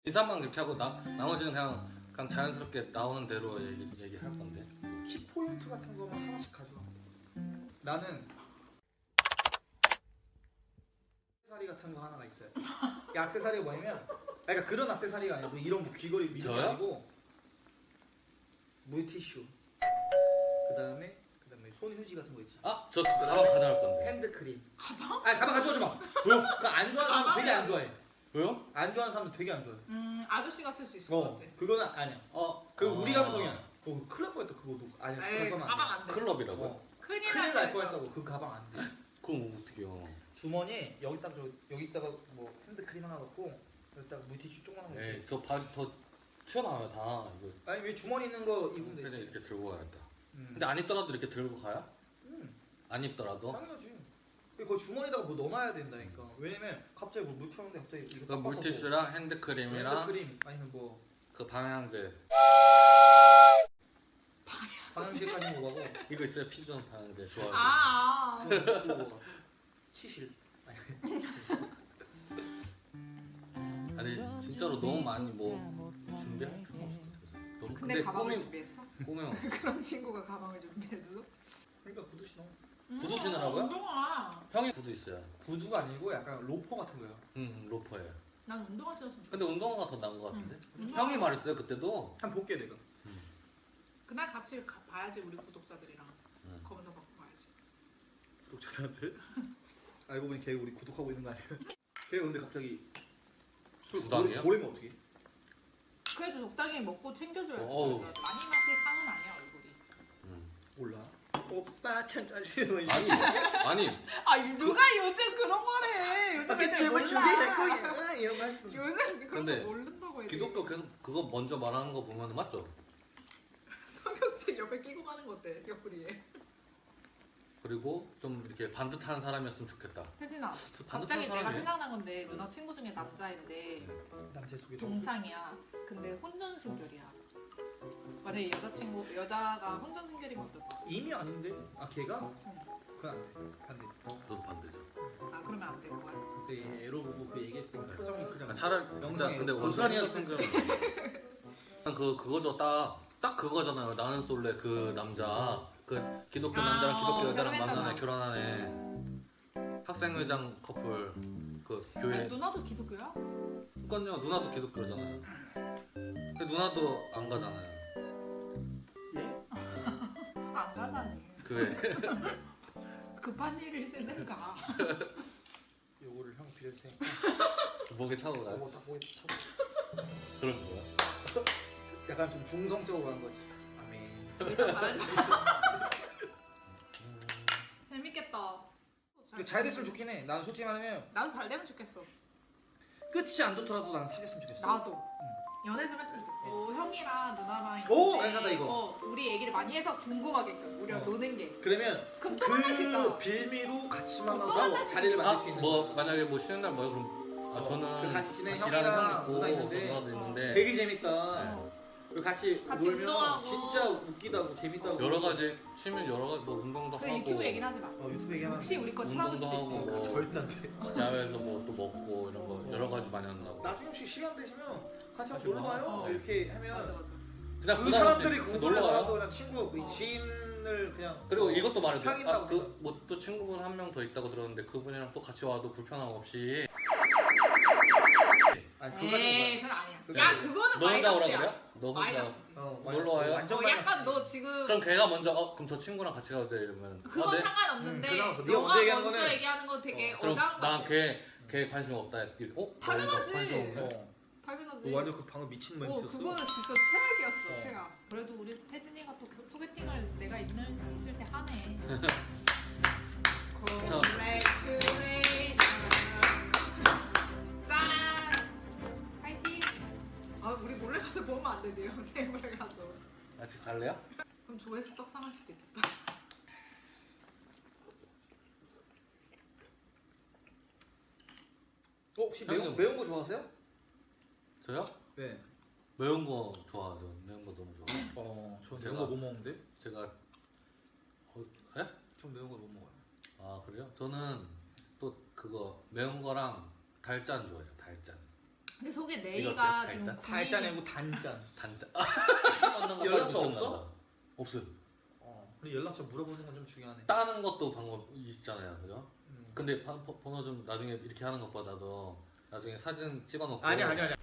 인사만 그렇게 하고 나머지는 그냥 자연스럽게 나오는 대로 얘기할 건데. 키포인트 같은 거만 하나씩 가져가. 나는 액세서리 같은 거 하나가 있어요. 이 액세서리가 뭐냐면, 그러니까 그런 액세서리가 아니고 이런 뭐 귀걸이 미는 게 저요? 아니고 물티슈. 그다음에 손휴지 같은 거 있지. 아, 저 가방 가져갈 건데. 핸드크림. 가방? 아니 가방 가져오지 마. 왜요? 그거 안 좋아하는 사람 되게 안 좋아해. 왜요? 안 좋아하는 사람들 되게 안 좋아해. 아저씨 같을 수 있을 것 같아. 그거는 아니야. 그 우리 아. 감성이야. 큰일 날 뻔했다 그거도. 아니야. 에이, 그래서는 가방 안 돼. 안 돼. 클럽이라고? 큰일 큰일 날 날 뻔했다고. 그 가방 안 돼. 그럼 어떡해요? 주머니 여기다가 뭐 핸드크림 하나 넣고 여기다가 물티슈 조그만한 거 에이, 있지. 더 튀어나와요 다. 이거 아니 왜 주머니 있는 거 입으면 그냥 되지? 이렇게 들고 가야겠다. 음. 근데 안 입더라도 이렇게 들고 가요? 음, 안 입더라도? 당연하지. 그 주머니에다가 뭐 넣어놔야 된다니까. 왜냐면 갑자기 물 튀었는데 갑자기 이거 그 빡빡하고 물티슈랑 핸드크림이랑 핸드크림 아니면 뭐 그 방향제 방향제까지 먹어가고 이거 있어요. 피존 방향제 좋아요. 아. 치실. 아니 진짜로 너무 많이 뭐 준비할 필요가 없어. 너무 근데 가방을 꾸미- 준비했어? 꾸며. 그런 친구가 가방을 준비했어? 그러니까 구두 신어. 구두 신으라고요? 운동화. 형이 구두 있어요. 구두가 아니고 약간 로퍼 같은 거야. 로퍼예요. 난 운동화 신었으면 좋겠어. 근데 운동화가 더 나은 것 같은데? 운동화. 형이 말했어요 그때도. 한번 볼게 내가. 그날 같이 봐야지 우리 구독자들이랑 응. 검사 받고 가야지. 구독자한테? 알고 보니 걔 우리 구독하고 있는 거 아니야? 걔 근데 갑자기 술 부담이에요? 고래면 어떻게? 그래도 적당히 먹고 챙겨줘야지. 어우. 맞아. 많이 마실 상은 아니야 얼굴이. 몰라. 오빠 천천히. 아니 아 누가 요즘 그런 거래. 요즘 애들 제발 몰라. 준비했고 이런 거 했어. 요즘 그런 근데 거 모른다고 애들. 기독교 계속 그거 먼저 말하는 거 보면 맞죠? 성경책 옆에 끼고 가는 거 어때? 옆구리에. 그리고 좀 이렇게 반듯한 사람이었으면 좋겠다. 태진아. 저 갑자기 반듯한 내가 사람이- 생각난 건데 누나 친구 중에 남자인데 남자 속에 동창이야. 근데 혼전순결이야. 만약에 여자가 혼전순결이면 어떨까? 이미 아닌데? 아 걔가? 응. 그건 안 돼. 반대. 너도 반대죠. 아 그러면 안 될 거야. 그때 애로 보고 그 얘기했으니까 표정이 그냥. 아, 차라리 진짜 영상에 근데 고스란히 원산이 생겨. 그거죠 딱 그거잖아요. 나는 솔레 그 남자 그 기독교 남자랑 기독교 여자랑 결혼했잖아. 만나네 결혼하네 학생회장 커플 그 아니, 교회. 누나도 기독교야? 그건요 누나도 기독교잖아요. 근데 누나도 안 가잖아요. 예? 안 가다니. 교회. 급한 일이 있을 땐가. 요거를 형 빌릴 테니까. 목에 차고 가요. 요거 딱 보이 쳐. 그런 거야. 약간 좀 중성적으로 한 거지. 아멘. 예상 말하지 마. 재밌겠다. 잘 됐으면 좋긴 해. 나는 솔직히 말하면 나도 잘 되면 좋겠어. 끝이 안 좋더라도 난 사귀었으면 좋겠어. 나도. 연애 좀 했으면 좋겠어. 형이랑 누나랑 오, 이제 괜찮다, 이거. 우리 얘기를 많이 해서 궁금하게끔 우리가 노는 게. 그러면 그럼 또 만날 수 있잖아. 그 빌미로 같이 또 만나서 만날 수 자리를 만들 수 아, 있는 뭐 만약에 뭐 쉬는 날 뭐요? 그럼 저는 그 같이 지낸 일하는 형이랑 형 있고 누나 있는데 누나도 있는데 되게 재밌다. 어. 그 같이 같이 놀면 운동하고. 진짜 웃기다고 재밌다고. 여러 가지 취미 여러 가지 뭐 운동도 그 하고 유튜브 얘기는 하지 마. 유튜브 얘기하면 혹시 우리 거 찾아볼 수도 운동도 하고 있으니까. 뭐 절대 안 돼. 야외에서 뭐 또 먹고 이런 거 여러 가지 많이 한다고. 나중에 혹시 시간 되시면 같이 같이 한번 놀러 와요. 어. 이렇게 맞아 하면 맞아. 그냥 그 부담 없이 사람들이 놀러 궁금해하고 와요. 그냥 친구 어. 지인을 그냥 그리고 이것도 말해줘. 향인다고 그뭐 또 친구분 한 명 더 있다고 들었는데 그분이랑 또 같이 와도 불편함 없이. 아니 그거까지는 에이 그건 아니야. 그거 야 아니야. 그거는 너 혼자 오라 마이너스야. 그래요? 너 혼자. 마이너스지. 놀러 와요? 완전 약간 마이너스. 너 지금 그럼 걔가 먼저 그럼 저 친구랑 같이 가도 돼 이러면. 그건 네? 상관없는데 그 상관없어. 네가 너가 먼저 얘기하는 먼저 거는- 얘기하는 건 되게 그럼 어장한 거 같아. 난걔 관심 없다. 당연하지. 관심 없네. 어. 당연하지. 완전 그 방금 미친 멘트였어. 그거는 진짜 최악이었어. 어. 최악. 그래도 우리 태진이가 또 소개팅을 내가 있을 때 하네. Congratulations. 짠. 파이팅. 아 우리 몰래 가서 보면 안 되지. 테이블에 가서. 같이 갈래요? 그럼 조회수 떡상할 수도 있겠다. 혹시 형님. 매운 거 좋아하세요? 저요? 네. 매운 거 좋아하죠. 매운 거 너무 좋아. 저 제가- 매운 거 못 먹는데? 제가 에? 전 매운 거 못 먹어요. 아 그래요? 저는 또 그거 매운 거랑 달짠 좋아해요. 달짠. 근데 속에 이거 네이가 어때? 지금 달자? 달짠 아니고 단짠. 단자. 연락처 없어? 없어요. 근데 연락처 물어보는 건 좀 중요하네. 따는 것도 방법 있잖아요, 그죠? 음. 근데 번호 좀 나중에 이렇게 하는 것보다도 나중에 사진 찍어놓고. 아니야.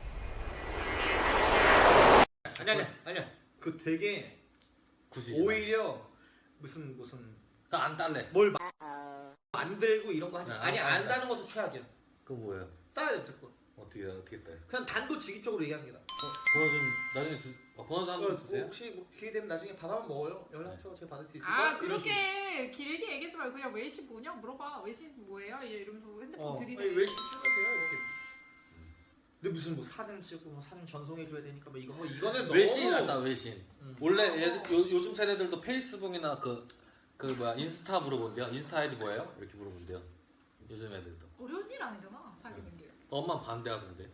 그 되게 굳이. 오히려 무슨 그러니까 안 딸래. 뭘 만들고 이런 거 하지. 네, 아니 안 안 따. 따는 것도 최악이야. 그거 뭐예요? 따야 돼 무조건. 어떻게 따요? 그냥 단도직입적으로 얘기하는 게 나. 번호 좀 나중에 번호 좀 한번 주세요. 혹시 뭐 기회 되면 나중에 밥 한번 먹어요. 연락처 제가 받을 수 있을까? 아 이런 식으로. 그렇게 길게 얘기하지 말고 그냥 외신 뭐냐 물어봐. 외신 뭐예요? 이러면서 핸드폰 들이대. 왜 찍으세요 이렇게. 근데 무슨 뭐 사진 찍고 뭐 사진 전송해줘야 되니까 뭐 이거는 너무. 외신 한다 외신. 음. 원래 요즘 세대들도 페이스북이나 그 뭐야 인스타 물어본대요. 인스타 아이디 뭐예요? 이렇게 물어본대요. 요즘 애들도. 어려운 일 아니잖아 사귀는 게. 엄마 반대하던데.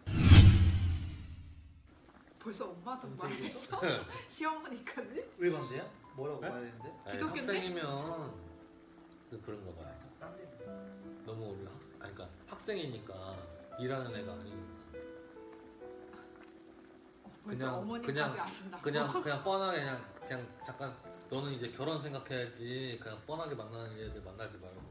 벌써 엄마도 말했어? 시어머니까지? 왜 반대야? 뭐라고 네? 봐야 되는데? 아니, 기독교인데? 학생이면 그런가 봐요. 싼데. 너무 우리 그러니까 학생이니까 일하는 애가 아니니까. 벌써 그냥- 어머니까지 그냥- 아신다. 그냥 뻔하게 그냥 잠깐 너는 이제 결혼 생각해야지. 그냥 뻔하게 만나는 애들 만나지 말고.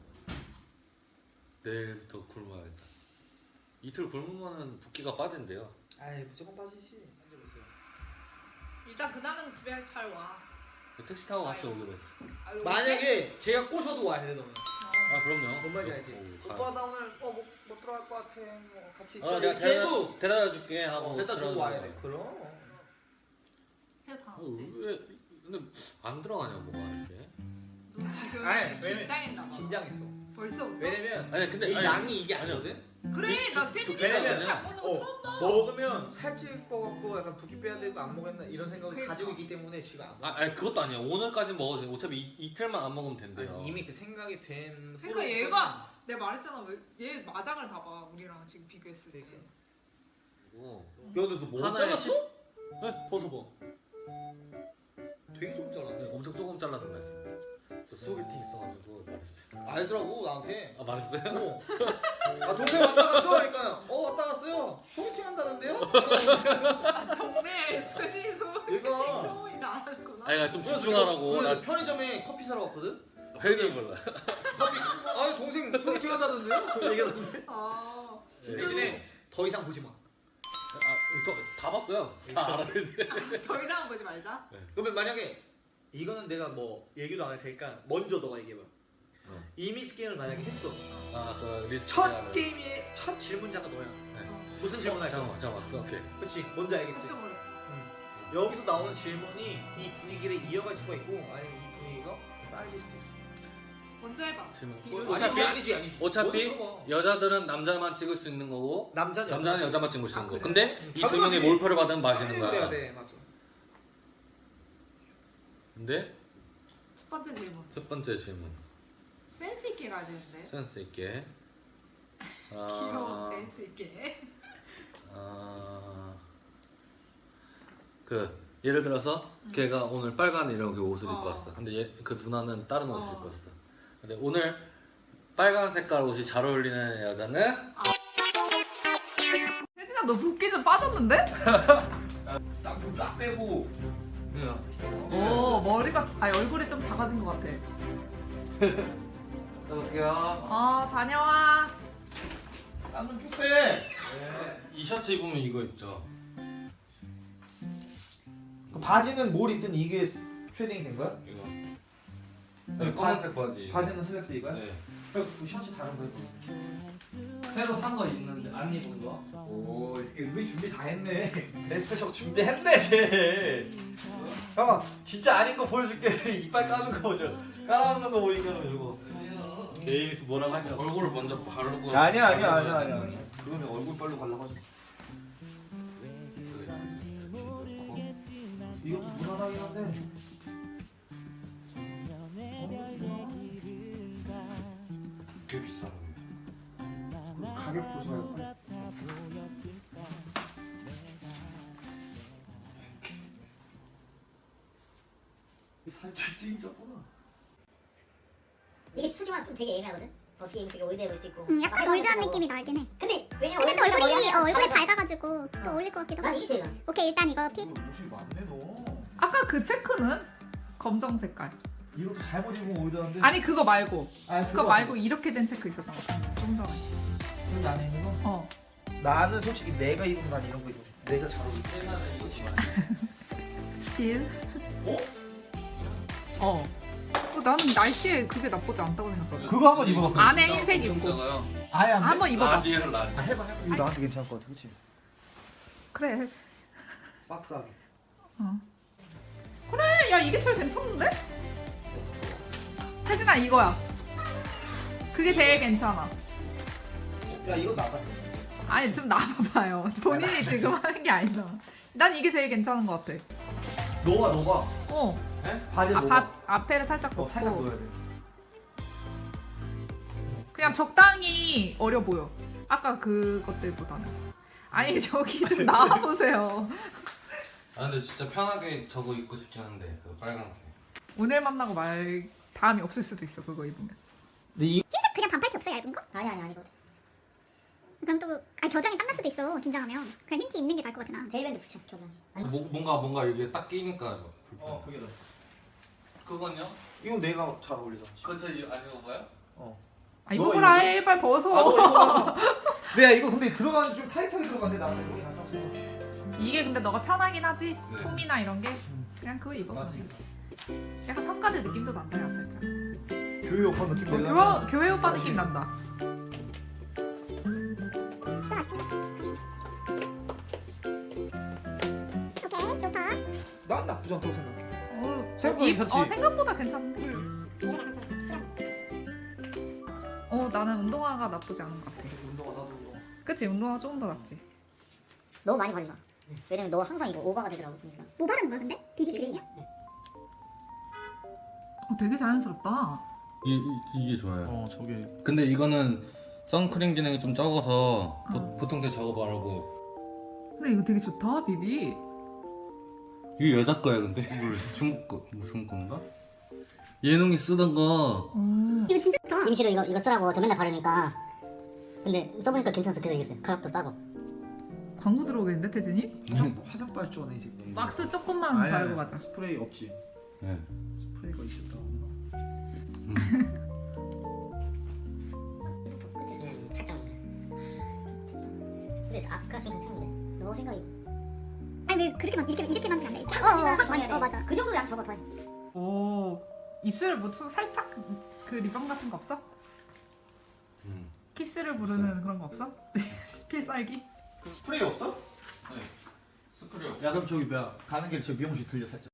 내일부터 굶어야겠다. 이틀 굶으면은 붓기가 빠진대요. 아이 무조건 빠지지. 앉아보세요. 일단 그날은 집에 잘 와. 택시 타고 같이 아유. 오기로 했어. 아, 이거 만약에 걔가 꼬셔도 와야 돼 너는. 아 그럼요. 뭔 말인지 알지? 오, 가. 오빠 나 오늘 못 들어갈 것 같아. 뭐 같이 있자. 내가 이렇게 해도 데려다 줄게 하고. 데려다 주고 들어가는 와야 거야. 돼. 그럼. 새우 다 넣었지? 왜 근데 안 들어가냐 뭐가 이렇게? 너 지금 아니, 왜냐면 긴장했나 봐. 긴장했어. 벌써부터? 왜냐면 아니 근데 이 아니, 양이 이게 아니요. 아니거든. 그래 나 태진이 왜냐면- 잘 먹는 거 처음 봐. 먹으면 살찔 것 같고 약간 붓기 빼야 되고 안 먹었나 이런 생각을 그러니까. 가지고 있기 때문에 지금 안 먹어. 아니 그것도 아니에요. 오늘까지 먹어도 돼. 어차피 이틀만 안 먹으면 된대요. 아니, 이미 그 생각이 된. 그러니까 후로부터는 얘가 내가 말했잖아 얘 마장을 봐봐 우리랑 지금 비교했을 때. 그러니까. 그리고 야, 근데 너뭐 하나에 잘랐어? 네? 벗어봐. 되게 좀 잘랐네. 엄청 조금 잘라던 말씀. 저 소개팅 있어가지고 말했어요. 알더라고 나한테. 아 말했어요? 아 동생 왔다 갔죠? 그러니까 왔다 갔어요. 소개팅 한다는데요? 아, 동네 태진이 얘가 소문이 나는구나. 아니 좀 집중하라고. 그래서 나 편의점에 커피 사러 갔거든. 회를 몰라. 아 동생 소개팅 한다는데요? 그 얘기하던데. 아 대신에 더 이상 보지 마. 다 봤어요. 다 알아야지. 더 이상 보지 말자. 그러면 만약에 이거는 내가 뭐 얘기도 안 할 테니까 먼저 너가 얘기해봐. 이미지 게임을 만약에 했어. 아그 리스트. 첫 게임의 첫 질문자가 너야. 어. 무슨 질문 할 거야? 잠깐만. 오케이. 그렇지. 뭔지 알겠지? 걱정을. 여기서 나오는 질문이 이 분위기를 이어갈 수가 있고 아니면 이 분위기가 쌓일 수도 있어. 먼저 해봐. 질문. 비교. 아니지. 어차피 먼저 들어봐. 여자들은 남자만 찍을 수 있는 거고 남자는 여자만 찍을 수 있는 거. 그래? 근데 이 두 당연하지. 명의 몰표를 받으면 마시는 그래야 거야. 돼, 맞아. 근데 첫 번째 질문. 첫 번째 질문. 센스 있게 가야 되는데. 센스 있게. 귀여워 센스 있게. 그 예를 들어서 걔가 오늘 빨간 이런 그 옷을 입고 어. 왔어. 근데 그 누나는 다른 옷을 어. 입고 왔어. 근데 오늘 빨간 색깔 옷이 잘 어울리는 여자는 태진아 너 붓기 좀 빠졌는데? 땀좀 쫙 빼고. 오 머리가 얼굴이 좀 작아진 것 같아. 여보세요. 다녀와. 땀좀 쭉 빼. 이 셔츠 입으면 이거 입죠. 그 바지는 뭘 입든 이게 쉐딩이 된 거야? 이거. 네, 검은색 바지. 바지는 슬랙스 이거야? 네. 그 셔츠 다른 거 입고. 새로 산 거 있는데 안 입은 거? 오, 이렇게 은근히 준비 다 했네. 베스트 셔츠 준비했네, 쟤. 형, 진짜 아닌 거 보여줄게. 이빨 까는 거 저. 깔아놓는 거 보니까는 이거. 내일이 또 뭐라고 하냐. 얼굴을 먼저 바르고. 아니야. 그거는 얼굴 빨로 발라가지고. 이것도 무난하긴 한데. 꽤 비싸. 가격 보세요. 살짝 찐짜구나. 이게 수지만 좀 되게 애매하거든? 더 뒤에 되게 올드해 보일 수도 있고 약간 올드한 느낌이 나긴 해. 근데 왜냐면 근데 또 얼굴이 얼굴이 밝아가지고 또 어울릴 것 같기도 난 하고. 이게 제일 나. 오케이 일단 이거 픽. 옷이 많네 너. 아까 그 체크는 검정 색깔. 이것도 잘못 입으면 오이더한데. 아니 그거 말고. 아니, 그거 말고 이렇게 된 체크 있었던 거. 좀 전에. 여기 안에 있는 거? 어. 나는 솔직히 내가 입으면 난 이런 거 입어. 내가 잘 어울려. 스틸. 어? 어. 나는 날씨에 그게 나쁘지 않다고 생각하거든. 그거 한번 입어봐. 안에 흰색 입고. 아예 안 돼? 한번 입어봐. 라지에는 라지. 아, 해봐. 이거 나한테 괜찮을 것 같아, 그렇지? 그래. 박스하게. 어. 그래. 야 이게 제일 괜찮은데? 혜진아 이거야. 그게 제일 괜찮아. 야 이거 나가. 아니 좀 나와봐요. 본인이 지금 하는 게 아니잖아. 난 이게 제일 괜찮은 것 같아. 너가. 어. 바지 너가. 앞에를 살짝 덮고. 살짝 넣어야 돼. 그냥 적당히 어려 보여. 아까 그것들보다는. 아니 저기 좀 나와보세요. 아 근데 진짜 편하게 저거 입고 싶긴 한데 그 빨간색. 오늘 만나고 다음이 없을 수도 있어 그거 입으면. 근데 이 흰색 그냥 반팔티 없어 얇은 거? 아니거든. 그럼 또 겨드랑이 땀날 수도 있어 긴장하면. 그냥 흰티 입는 게 나을 것 같아 나. 데이밴드 붙여 겨드랑이. 아니 뭔가 이게 딱 끼니까 불편. 그게 나. 그건요? 이건 내가 잘 어울리잖아. 그거 저 안 입어봐요? 아 너가 입어보라 입어봐. 해 빨리 벗어. 아, 너 이거 내가 이거 근데 들어가는 좀 타이트하게 들어가는데 나는 여기 안 쳤어. 이게 근데 너가 편하긴 하지. 네. 폼이나 이런 게 그냥 그거 입어. 맞아. 약간 성가대 느낌도 난다 야 살짝. 교회 오빠 느낌 내가. 교회 오빠 느낌 난다. 시원하지? 오케이 좋다. 난 나쁘지 않다고 생각해. 생각보다 생각보다 괜찮지? 생각보다 괜찮은데. 얘가 약간 좀 나는 운동화가 나쁘지 않은 것 같아. 운동화 나도 운동화. 그치 운동화가 조금 더 낫지. 너무 많이 바르지 마. 왜냐면 너 항상 이거 오버가 되더라고. 그러니까. 뭐 바르는 거야 근데? 비비 크림이야? 되게 자연스럽다. 이게 좋아요. 저게. 근데 이거는 선크림 기능이 좀 적어서 보통 때 저거 바르고. 근데 이거 되게 좋다 비비. 이게 여자 거야 근데? 중국 거 무슨 건가? 예능이 쓰던 거. 이거 진짜 좋다. 임시로 이거 쓰라고 저 맨날 바르니까. 근데 써보니까 괜찮아서 계속 이겼어요. 가격도 싸고. 광고 들어오겠는데 태진이? 화장빨 쪼네 이 새끼. 막스 조금만 바르고 가자. 스프레이 없지. 네. 스프레이가 있었다. 끝에 살짝. 근데 아까 좀 괜찮은데. 너 생각이. 아니 왜 그렇게 이렇게 만지면 안 돼. 확 좋아해야 돼. 맞아. 그 정도 양 적어 더해. 오 입술 뭐좀 살짝 그 립밤 같은 거 없어? 키스를 부르는 그런 거 없어? 필살기? 스프레이 없어? 네. 스프레이. 야 그럼 저기 뭐야 가는 길에 저 미용실 들려 살짝.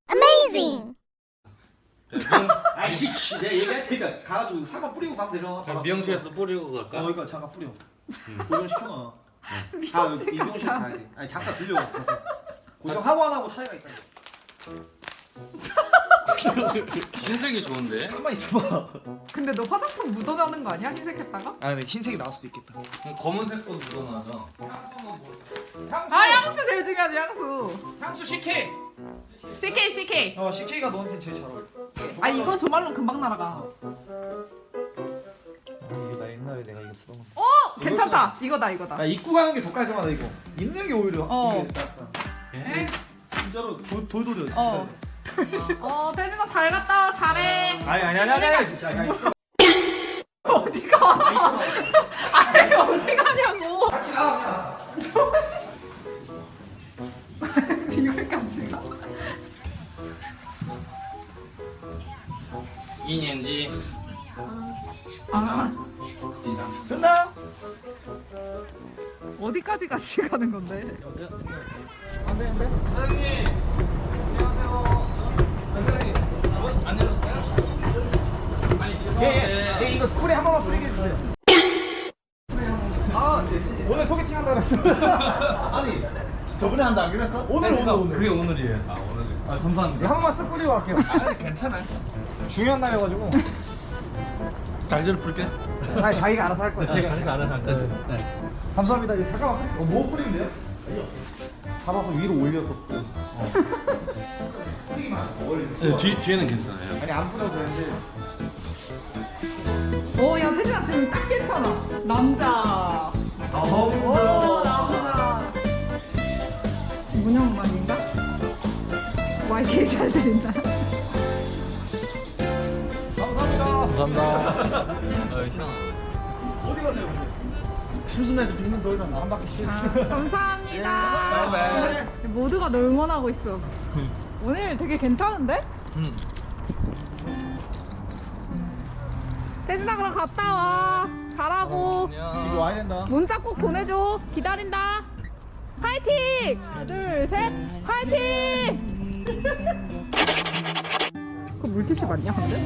아이씨 내가 얘기할 테니까 가가지고 살만 뿌리고 가면 되잖아. 미용실에서 뿌리고 갈까? 그러니까 잠깐 뿌려. 고정 시켜놔. 아 이 미용실 가야 돼. 아니 잠깐 들려 가서. 고정하고 안 하고 차이가 있다. 흰색이 좋은데? 한번 있어봐. 근데 너 화장품 묻어나는 거 아니야? 흰색 했다가? 아 근데 흰색이 나올 수도 있겠다. 검은색도 묻어나죠. 향수. 아 향수 제일 중요하지 향수. 향수 CK. CK. CK가 너한테 제일 잘 어울려. 아 이건 조말론 금방 날아가. 이게 나 옛날에 내가 이거 쓰던 건데. 괜찮다. 이거다. 야 입고 가는 게 더 깔끔하다 이거. 입는 게 오히려 어. 이게 낫다. 에? 진짜로 돌돌이야 진짜. 태진아 잘 갔다 와. 잘해. 아니. 야 있어. 어디가? 아니 어디 가냐고. 같이 가 그냥. 뒤에까지 가. 2년지. 아 됐나? 어디까지 같이 가는 건데? 사장님. 안녕하세요. 사장님. 안 열었어요? 아니 죄송한데. 이거 스프레이 한 번만 뿌리게 해주세요. 오늘 소개팅 한다고 했어. 아니 저번에 한다 안 그랬어? 오늘. 그게 오늘이에요. 아 오늘. 아 감사합니다. 한 번만 쓱 뿌리고 갈게요. 괜찮아요. 중요한 날이어가지고. 잘지를 풀게. 아니 자기가 알아서 할 거야. 제가 알아서 할 거예요. 네. 감사합니다. 이제 잠깐만. 뭐 뿌리면 돼요? 잡아서 위로 올려서. 뒤에는 괜찮아요. 아니 안 뿌려도 되는데. 야 태진아 지금 딱 괜찮아. 남자. 오 나오나. 문영만인가? 와 이렇게 잘 들린다. 감사합니다. 어이 시원하. 어디 가세요? 심심해서 빙빙 돌면 한 바퀴씩. 감사합니다. 모두가 널 응원하고 있어. 오늘 되게 괜찮은데? 태진아 그럼 갔다 와. 잘하고. 이거 와야 된다. 문자 꼭 보내줘. 기다린다. 파이팅! 하나, 둘, 셋. 파이팅! 그 물티슈 맞냐, 근데?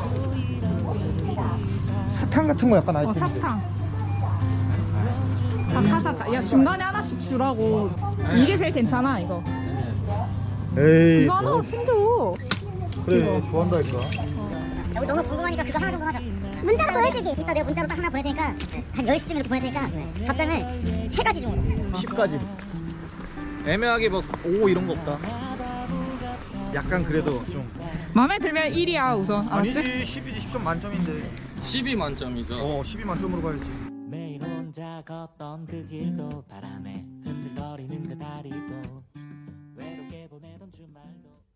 사탕 같은 거 약간 아이템인데. 사탕. 사탕. 야, 중간에 하나씩 주라고. 이게 제일 괜찮아, 이거. 에이. 이거 하나 챙겨. 그래, 좋아한다 이거. 우리 너무 궁금하니까 그거 하나 정도 하자. 문자로 보내주기. 이따 내가 문자로 딱 하나 보낼 테니까 한 10시쯤 이렇게 보낼 테니까 답장을 3가지 중으로. 10까지. 애매하게 뭐 5 이런 거 없다. 약간 그래도 좀. 마음에 들면 1이야, 우선. 아니지, 알았지? 10이지 10점 만점인데. 12 만점이죠. 12 만점으로 가야지. 매일 혼자 걷던 그 길도 바람에